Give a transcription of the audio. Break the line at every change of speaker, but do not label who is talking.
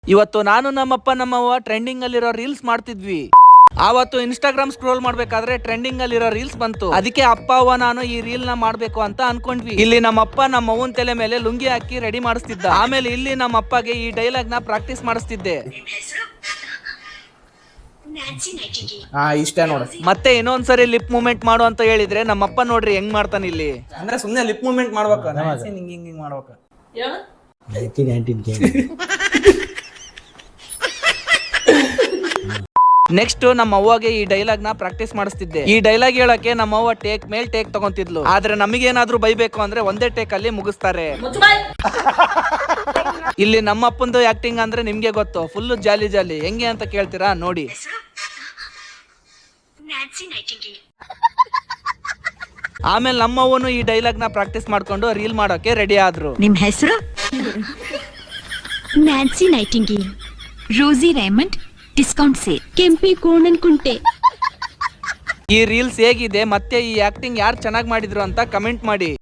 ಇವತ್ತು ನಾನು ನಮ್ಮಪ್ಪ ನಮ್ಮವ್ವ ಟ್ರೆಂಡಿಂಗ್ ಅಲ್ಲಿರೋ ರೀಲ್ಸ್ ಮಾಡ್ತಿದ್ವಿ. ಆವತ್ತು ಇನ್ಸ್ಟಾಗ್ರಾಮ್ ಸ್ಕ್ರೋಲ್ ಮಾಡ್ಬೇಕಾದ್ರೆ ಟ್ರೆಂಡಿಂಗ್ ಅಲ್ಲಿರೋ ರೀಲ್ಸ್ ಬಂತು. ಅದಕ್ಕೆ ಅಪ್ಪ ಅವ್ವ ನಾನು ಈ ರೀಲ್ ನ ಮಾಡ್ಬೇಕು ಅಂತ ಅನ್ಕೊಂಡ್ವಿ. ಇಲ್ಲಿ ನಮ್ಮಪ್ಪ ನಮ್ಮವ್ವನ್ ತಲೆ ಮೇಲೆ ಲುಂಗಿ ಹಾಕಿ ರೆಡಿ ಮಾಡಿಸ್ತಿದ್ದ. ಆಮೇಲೆ ಇಲ್ಲಿ ನಮ್ಮಪ್ಪಗೆ ಈ ಡೈಲಾಗ್ ನ ಪ್ರಾಕ್ಟೀಸ್ ಮಾಡಿಸ್ತಿದ್ದೆ.
ಇಷ್ಟ ನೋಡ.
ಮತ್ತೆ ಇನ್ನೊಂದ್ಸರಿ ಲಿಪ್ ಮೂವ್ಮೆಂಟ್ ಮಾಡು ಅಂತ ಹೇಳಿದ್ರೆ ನಮ್ಮಪ್ಪ ನೋಡ್ರಿ ಹೆಂಗ್ ಮಾಡ್ತಾನ ಇಲ್ಲಿ.
ಅಂದ್ರೆ ಸುಮ್ನೆ ಲಿಪ್ ಮೂವ್ಮೆಂಟ್ ಮಾಡ್ಬೇಕು, ಹಿಂಗ್ ಮಾಡ್ಬೇಕು.
ನೆಕ್ಸ್ಟ್ ನಮ್ಮ ಅವ್ವಗೆ ಈ ಡೈಲಾಗ್ ನ ಪ್ರಾಕ್ಟೀಸ್ ಮಾಡಿಸ್ತಿದ್ದೆ. ಈ ಡೈಲಾಗ್ ಹೇಳಕ್ಕೆ ನಮ್ಮ ಅವ್ವ ಟೇಕ್ ಮೇಲ್ ಟೇಕ್ ತಗೊಂತಿದ್ಲು. ಆದ್ರೆ ನಮಗೇನಾದ್ರೂ ಬೈಬೇಕು ಅಂದ್ರೆ ಒಂದೇ ಟೇಕ್ ಅಲ್ಲಿ ಮುಗಿಸ್ತಾರೆ. ಇಲ್ಲಿ ನಮ್ಮ ಅಪ್ಪಂದು ಆಕ್ಟಿಂಗ್ ಅಂದ್ರೆ ನಿಮ್ಗೆ ಗೊತ್ತು, ಫುಲ್ ಜಾಲಿ ಜಾಲಿ. ಹೆಂಗೆ ಅಂತ ಕೇಳ್ತೀರಾ ನೋಡಿ. ಆಮೇಲೆ ನಮ್ಮವ್ವನು ಈ ಡೈಲಾಗ್ ನ ಪ್ರಾಕ್ಟೀಸ್ ಮಾಡ್ಕೊಂಡು ರೀಲ್ ಮಾಡೋಕೆ ರೆಡಿ ಆದ್ರು.
ನಿಮ್ ಹೆಸರು? Nancy Nightingale, Rosie Raymond, discount sale, ಕೆಂಪಿ ಕೋಣನ್ ಕುಂಟೆ.
ಈ ರೀಲ್ಸ್ ಹೇಗಿದೆ ಮತ್ತೆ ಈ ಆಕ್ಟಿಂಗ್ ಯಾರು ಚೆನ್ನಾಗಿ ಮಾಡಿದ್ರು ಅಂತ ಕಮೆಂಟ್ ಮಾಡಿ.